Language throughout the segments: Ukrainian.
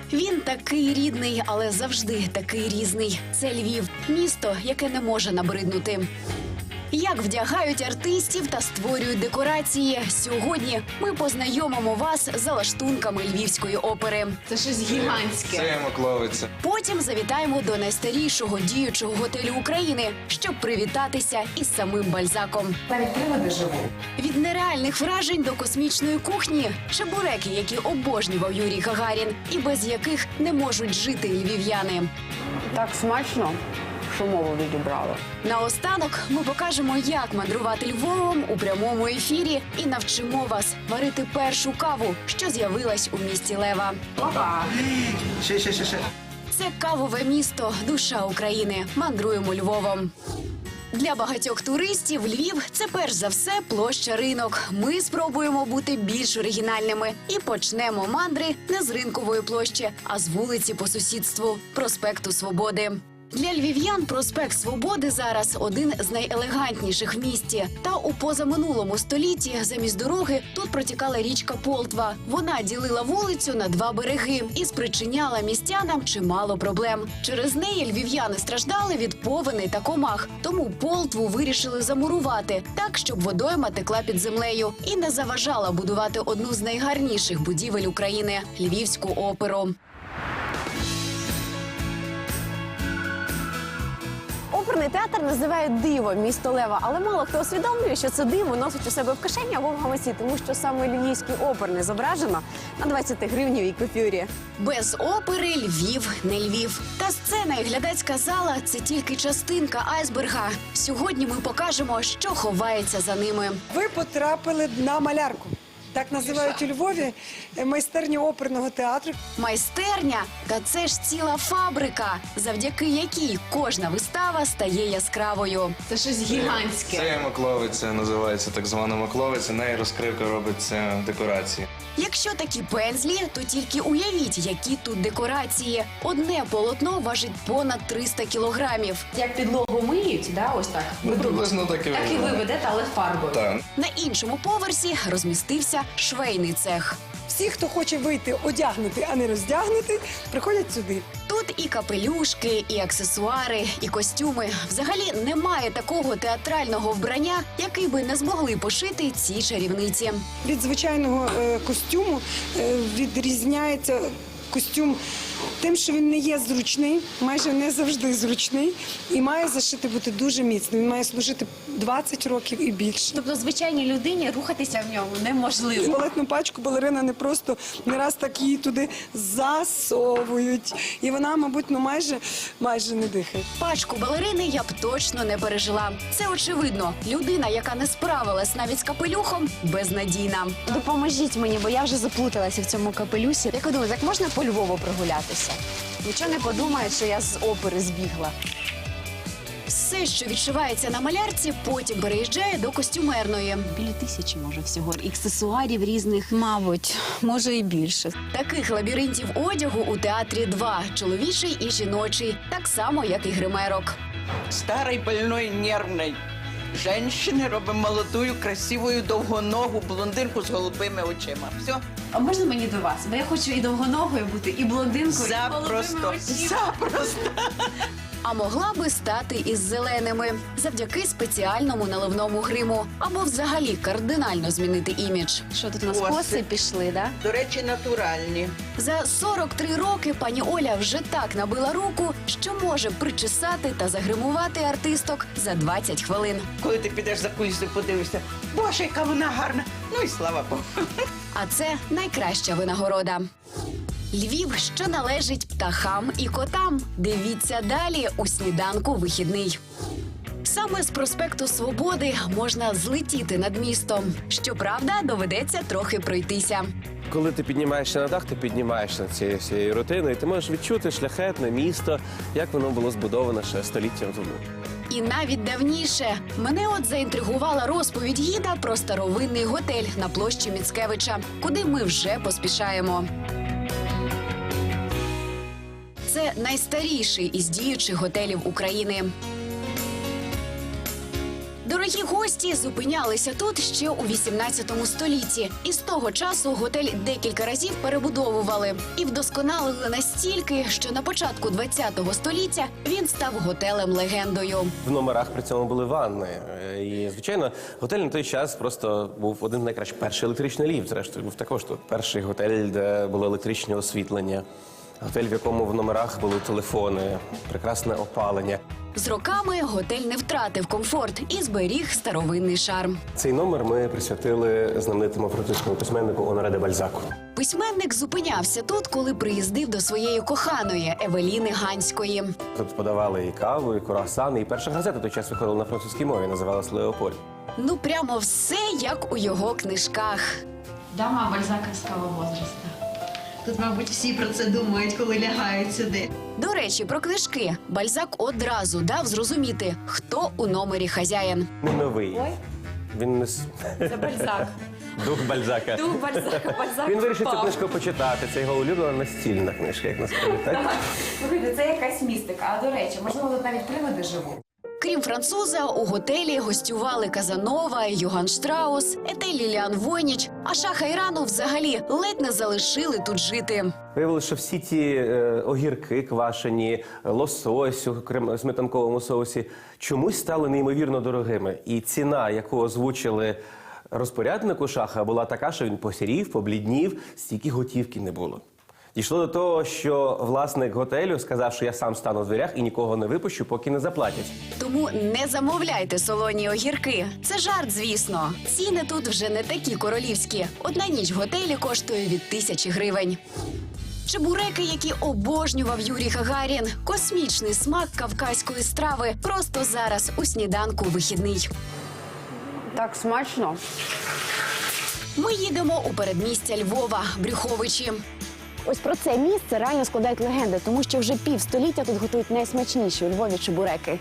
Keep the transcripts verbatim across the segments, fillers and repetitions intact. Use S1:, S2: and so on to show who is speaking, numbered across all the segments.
S1: Він такий рідний, але завжди такий різний. Це Львів – місто, яке не може набриднути. Як вдягають артистів та створюють декорації. Сьогодні ми познайомимо вас з лаштунками Львівської опери.
S2: Це щось гігантське.
S3: Це Макловиця.
S1: Потім завітаємо до найстарішого діючого готелю України, щоб привітатися із самим Бальзаком.
S2: Навіть приводи живуть.
S1: Від нереальних вражень до космічної кухні – чебуреки, які обожнював Юрій Гагарін, і без яких не можуть жити львів'яни.
S2: Так смачно, що мову відібрали.
S1: Наостанок ми покажемо, як мандрувати Львовом у прямому ефірі і навчимо вас варити першу каву, що з'явилась у місті Лева.
S2: Опа!
S3: Ще, ще, ще, ще.
S1: Це кавове місто, душа України. Мандруємо Львовом. Для багатьох туристів Львів – це перш за все площа Ринок. Ми спробуємо бути більш оригінальними і почнемо мандри не з Ринкової площі, а з вулиці по сусідству – проспекту Свободи. Для львів'ян проспект Свободи зараз один з найелегантніших в місті. Та у позаминулому столітті замість дороги тут протікала річка Полтва. Вона ділила вулицю на два береги і спричиняла містянам чимало проблем. Через неї львів'яни страждали від повеней та комах. Тому Полтву вирішили замурувати так, щоб водойма текла під землею і не заважала будувати одну з найгарніших будівель України – Львівську оперу.
S2: Оперний театр називають диво місто Лева, але мало хто усвідомлює, що це диво носить у себе в кишені або в гаманці, тому що саме Львівський оперний зображено на двадцятигривневій купюрі.
S1: Без опери Львів не Львів. Та сцена і глядацька зала – це тільки частинка айсберга. Сьогодні ми покажемо, що ховається за ними.
S4: Ви потрапили на малярку. Так називають у Львові майстерню оперного театру.
S1: Майстерня – та це ж ціла фабрика, завдяки якій кожна вистава стає яскравою.
S2: Це щось гігантське.
S3: Це Макловиця, називається так звана Макловиця. Неї розкривка робиться декорації.
S1: Якщо такі пензлі, то тільки уявіть, які тут декорації. Одне полотно важить понад триста кілограмів.
S2: Як підлогу миють, да, ось так?
S3: Ну, приблизно так і
S2: Так і ви
S3: виглядає.
S2: ведете, але фарбою.
S3: Так.
S1: На іншому поверсі розмістився швейний цех.
S4: Всі, хто хоче вийти одягнути, а не роздягнути, приходять сюди.
S1: Тут і капелюшки, і аксесуари, і костюми. Взагалі немає такого театрального вбрання, який би не змогли пошити ці чарівниці.
S4: Від звичайного е, костюму е, відрізняється костюм тим, що він не є зручний, майже не завжди зручний, і має зашити бути дуже міцно. Він має служити двадцять років і більше.
S2: Тобто звичайній людині рухатися в ньому неможливо.
S4: Туалетну пачку балерина не просто не раз так її туди засовують. І вона, мабуть, ну майже, майже не дихає.
S1: Пачку балерини я б точно не пережила. Це очевидно. Людина, яка не справилась навіть з капелюхом, безнадійна.
S2: Допоможіть мені, бо я вже заплуталася в цьому капелюсі. Як ви думаєте, як можна по Львову прогулятися? Нічого не подумають, що я з опери збігла.
S1: Все, що відшивається на малярці, потім переїжджає до костюмерної.
S2: Біля тисячі, може, всього. Аксесуарів різних, мабуть, може і більше.
S1: Таких лабіринтів одягу у театрі два – чоловічий і жіночий, так само, як і гримерок.
S5: Старой, больной, нервной женщины робимо молодую, красивую, довгоногу блондинку з голубими очима. Все.
S2: А можна мені до вас? Бо я хочу і довгоногою бути, і блондинкою, і
S5: Запросто.
S2: голубими очима.
S5: Запросто.
S1: А могла би стати із зеленими завдяки спеціальному наливному гриму або взагалі кардинально змінити імідж.
S2: Що тут у нас
S5: Коси.
S2: коси пішли, да?
S5: До речі, натуральні.
S1: За сорок три роки пані Оля вже так набила руку, що може причесати та загримувати артисток за двадцять хвилин.
S5: Коли ти підеш за кулісою, подивишся, боже, яка вона гарна. Ну і слава Богу.
S1: А це найкраща винагорода. Львів, що належить птахам і котам. Дивіться далі у сніданку вихідний. Саме з проспекту Свободи можна злетіти над містом. Щоправда, доведеться трохи пройтися.
S6: Коли ти піднімаєшся на дах, ти піднімаєшся над цією всією рутиною, і ти можеш відчути шляхетне місто, як воно було збудоване ще століттям тому.
S1: І навіть давніше. Мене от заінтригувала розповідь гіда про старовинний готель на площі Міцкевича, куди ми вже поспішаємо. Це найстаріший із діючих готелів України. Дорогі гості! Гості зупинялися тут ще у вісімнадцятому столітті. І з того часу готель декілька разів перебудовували. І вдосконалили настільки, що на початку двадцятого століття він став готелем-легендою.
S6: В номерах при цьому були ванни. І, звичайно, готель на той час просто був один з найкращих. Перший електричний ліфт, зрештою, був також тут. Перший готель, де було електричне освітлення. Готель, в якому в номерах були телефони, прекрасне опалення.
S1: З роками готель не втратив комфорт і зберіг старовинний шарм.
S6: Цей номер ми присвятили знаменитому французькому письменнику Оноре де Бальзаку.
S1: Письменник зупинявся тут, коли приїздив до своєї коханої Евеліни Ганської.
S6: Тут подавали і каву, і круасани, і перша газета той час виходила на французькій мові, називалась «Леополь».
S1: Ну, прямо все, як у його книжках.
S7: Дама бальзаковського возраста. Тут, мабуть, всі про це думають, коли лягають сюди.
S1: До речі, про книжки. Бальзак одразу дав зрозуміти, хто у номері хазяїн.
S6: Не новий. Він не... с-
S2: Це Бальзак.
S6: Дух Бальзака.
S2: Дух Бальзака, Бальзак
S6: Він вирішив цю
S2: впав.
S6: книжку почитати. Це його улюблена настільна книжка, як насправді, так?
S2: Слухайте, це якась містика. А до речі, можливо, тут навіть привиди живуть.
S1: Крім француза, у готелі гостювали Казанова, Йоган Штраус, Етель Ліліан Войніч, а Шаха Ірану взагалі ледь не залишили тут жити.
S6: Виявилося, що всі ті е, огірки квашені, лосось у крем- сметанковому соусі чомусь стали неймовірно дорогими. І ціна, яку озвучили розпоряднику Шаха, була така, що він посірів, побліднів, стільки готівки не було. Дійшло до того, що власник готелю сказав, що я сам стану в дверях і нікого не випущу, поки не заплатять.
S1: Тому не замовляйте солоні огірки. Це жарт, звісно. Ціни тут вже не такі королівські. Одна ніч в готелі коштує від тисячі гривень. Чебуреки, які обожнював Юрій Гагарін. Космічний смак кавказької страви просто зараз у сніданку вихідний.
S2: Так смачно.
S1: Ми їдемо у передмістя Львова, Брюховичі.
S2: Ось про це місце реально складають легенди, тому що вже півстоліття тут готують найсмачніші у Львові чебуреки.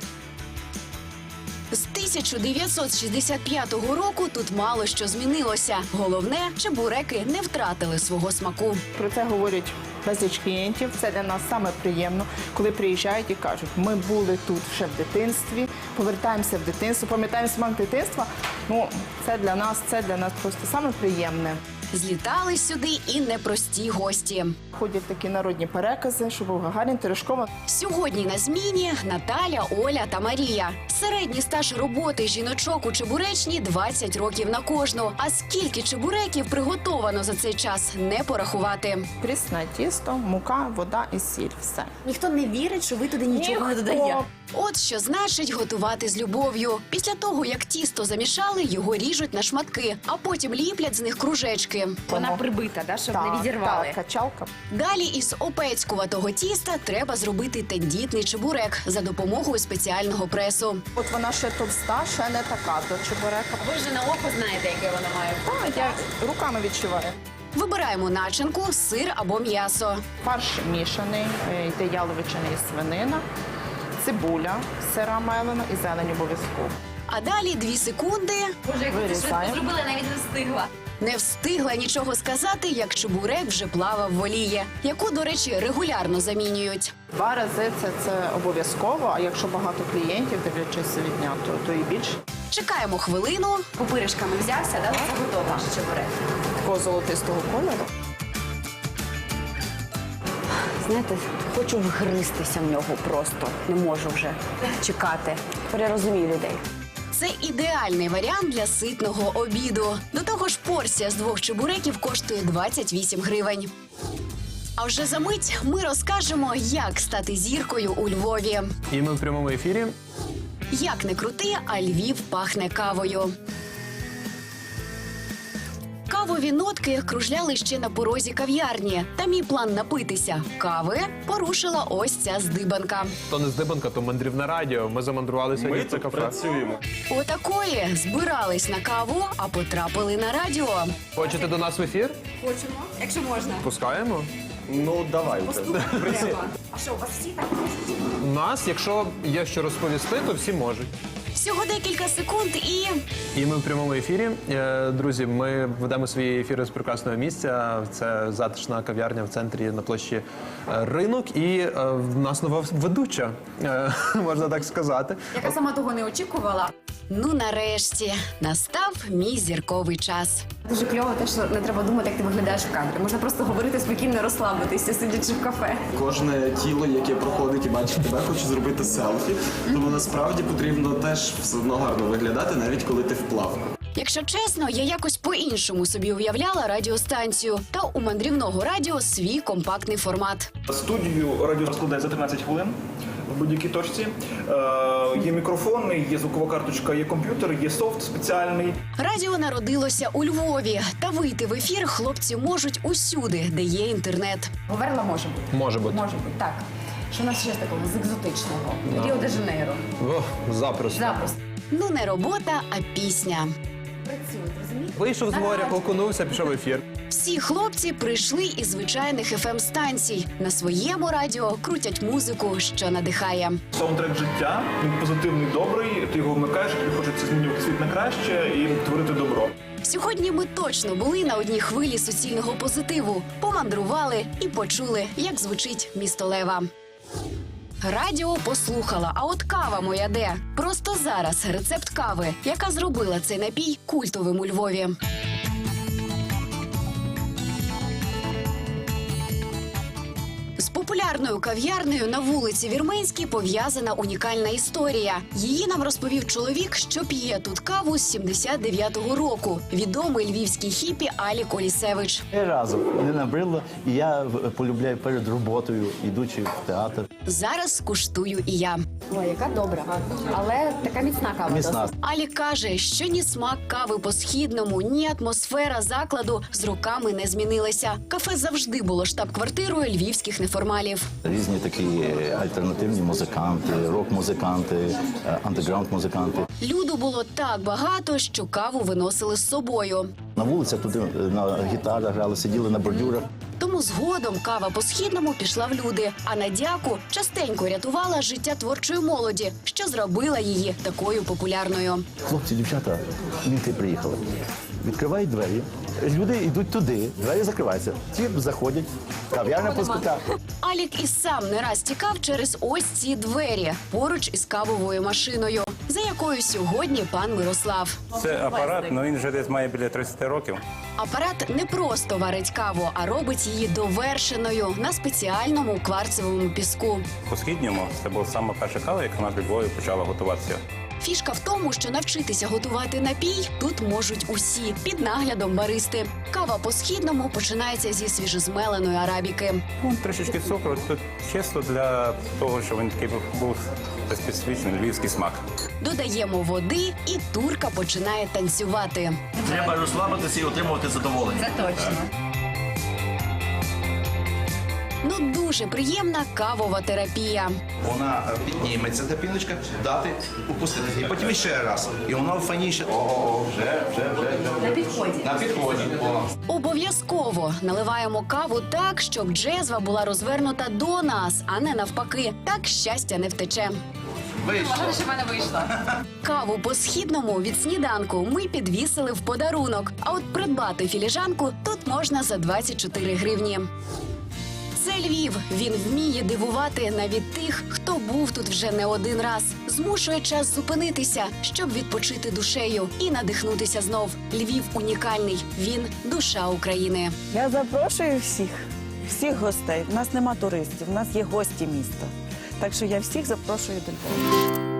S1: З тисяча дев'ятсот шістдесят п'ятого року тут мало що змінилося. Головне, чебуреки не втратили свого смаку.
S8: Про це говорять безліч клієнтів. Це для нас саме приємно, коли приїжджають і кажуть, ми були тут ще в дитинстві, повертаємося в дитинство, пам'ятаємо смак дитинства. Ну, це для нас, це для нас просто саме приємне.
S1: Злітали сюди і непрості гості.
S8: Ходять такі народні перекази, що був Гагарін, Терешкова.
S1: Сьогодні на зміні Наталя, Оля та Марія. Середній стаж роботи жіночок у чебуречні – двадцять років на кожну. А скільки чебуреків приготовано за цей час – не порахувати.
S8: Прісне тісто, мука, вода і сіль. Все.
S2: Ніхто не вірить, що ви туди нічого не
S8: Ніхто.
S2: додаєте.
S1: От що значить готувати з любов'ю. Після того, як тісто замішали, його ріжуть на шматки, а потім ліплять з них кружечки.
S2: Вона прибита, да, щоб
S8: Так,
S2: не відірвали.
S8: так, качалка.
S1: Далі із опецькуватого тіста треба зробити тендітний чебурек за допомогою спеціального пресу.
S8: От вона ще товста, ще не така до чебурека.
S2: Ви вже на око знаєте, яке вона має.
S8: Так, я руками відчуваю.
S1: Вибираємо начинку, сир або м'ясо.
S8: Фарш мішаний, е, йде яловичина і свинина, цибуля, сира мелена і зелень обов'язково.
S1: А далі дві секунди.
S2: Боже, як ви це швидко
S8: Вирізаємо.
S2: зробили, навіть не встигла.
S1: Не встигла нічого сказати, як чебурек вже плавав в олії, яку, до речі, регулярно замінюють.
S8: Два рази це, це обов'язково, а якщо багато клієнтів, дивлячись від дня, то, то і більше.
S1: Чекаємо хвилину.
S2: Пупиришками взявся, да? Це готово ваш чебурек.
S8: Такого золотистого кольору.
S2: Знаєте, хочу вгристися в нього просто. Не можу вже чекати. Перерозумію людей.
S1: Це ідеальний варіант для ситного обіду. До того ж, порція з двох чебуреків коштує двадцять вісім гривень. А вже за мить ми розкажемо, як стати зіркою у Львові.
S9: І ми в прямому ефірі.
S1: Як не крути, а Львів пахне кавою. Кавові нотки кружляли ще на порозі кав'ярні. Та мій план напитися кави порушила ось ця здибанка.
S9: То не здибанка, то мандрівне радіо. Ми замандрували сьогодні в це кафе.
S3: працюємо.
S1: Отакої збирались на каву, а потрапили на радіо.
S9: Хочете до нас в ефір?
S2: Хочемо, якщо можна.
S9: Пускаємо.
S3: Ну, давайте.
S2: А що, у вас всі так?
S9: У нас, якщо є що розповісти, то всі можуть.
S1: Всього декілька секунд і...
S9: І ми в прямому ефірі. Е, Друзі, ми ведемо свої ефіри з прекрасного місця. Це затишна кав'ярня в центрі на площі е, Ринок. І е, в нас нова ведуча, е, можна так сказати.
S2: Яка сама того не очікувала.
S1: Ну, нарешті, настав мій зірковий час.
S2: Дуже кльово те, що не треба думати, як ти виглядаєш в кадрі. Можна просто говорити спокійно, розслабитися, сидячи в кафе.
S10: Кожне тіло, яке проходить і бачить тебе, хоче зробити селфі. Тому насправді потрібно теж все одно гарно виглядати, навіть коли ти в плавку.
S1: Якщо чесно, я якось по-іншому собі уявляла радіостанцію. Та у мандрівного радіо свій компактний формат.
S11: Студію радіо розкладає за тринадцять хвилин в будь-якій точці. Е, є мікрофон, є звукова карточка, є комп'ютер, є софт спеціальний.
S1: Радіо народилося у Львові. Та вийти в ефір хлопці можуть усюди, де є інтернет.
S2: Говерла може бути.
S9: Може бути.
S2: Може бути, так. Що у нас ще з такого з екзотичного? Ріо-де-Жанейро.
S9: О, запросто.
S2: Запросто.
S1: Ну, не робота, а пісня.
S2: Працюють, розумієте?
S9: Вийшов з моря, окунувся, пішов в ефір.
S1: Всі хлопці прийшли із звичайних еф ем-станцій. На своєму радіо крутять музику, що надихає.
S11: Саундтрек життя, він позитивний, добрий, ти його вмикаєш, тобі хочеться змінювати світ на краще і творити добро.
S1: Сьогодні ми точно були на одній хвилі суцільного позитиву. Помандрували і почули, як звучить місто Лева. Радіо послухала, а от кава моя де? Просто зараз рецепт кави, яка зробила цей напій культовим у Львові. З популярною кав'ярнею на вулиці Вірменській пов'язана унікальна історія. Її нам розповів чоловік, що п'є тут каву з сімдесят дев'ятого року. Відомий львівський хіпі Алік Олісевич.
S12: Разом не набрило, і я полюбляю перед роботою, ідучи в театр.
S1: Зараз скуштую і я.
S2: Ой, яка добра. Але така міцна кава.
S12: Міцна.
S2: досить.
S1: Алік каже, що ні смак кави по-східному, ні атмосфера закладу з роками не змінилися. Кафе завжди було штаб-квартирою львівських неформалів.
S12: Різні такі альтернативні музиканти, рок-музиканти, андеграунд-музиканти.
S1: Люду було так багато, що каву виносили з собою.
S12: На вулицях туди на гітарах грали, сиділи на бордюрах.
S1: Тому згодом кава по-східному пішла в люди, а Надяку частенько рятувала життя творчої молоді, що зробила її такою популярною.
S12: Хлопці, дівчата, мінти приїхали. Відкривають двері, люди йдуть туди, двері закриваються. Ті заходять, кав'ярня пустота.
S1: Алік і сам не раз тікав через ось ці двері, поруч із кавовою машиною, за якою сьогодні пан Мирослав.
S13: Це апарат, але він вже десь має біля тридцять років.
S1: Апарат не просто варить каву, а робить її довершеною на спеціальному кварцевому піску.
S13: По-східньому це була саме перша кава, яка на Львові почала готуватися.
S1: Фішка в тому, що навчитися готувати напій тут можуть усі під наглядом баристи. Кава по-східному починається зі свіжозмеленої арабіки.
S13: Ну, трішечки цукру, тут чисто для того, щоб він такий був специфічний львівський смак.
S1: Додаємо води, і турка починає танцювати.
S12: Треба розслабитися і отримувати задоволення.
S7: Це точно.
S1: Ну, дуже приємна кавова терапія.
S12: Вона підніметься, та піночка, дати, упустити. І потім ще раз. І воно файніше. О, вже, вже, вже, вже.
S7: На підході.
S12: На підході. О.
S1: Обов'язково наливаємо каву так, щоб джезва була розвернута до нас, а не навпаки. Так щастя не втече.
S12: Вийшло.
S7: Що в мене вийшло?
S1: Каву по-східному від сніданку ми підвісили в подарунок. А от придбати філіжанку тут можна за двадцять чотири гривні. Це Львів. Він вміє дивувати навіть тих, хто був тут вже не один раз. Змушує час зупинитися, щоб відпочити душею і надихнутися знов. Львів унікальний. Він – душа України.
S14: Я запрошую всіх, всіх гостей. У нас нема туристів, у нас є гості міста. Так що я всіх запрошую до Львова.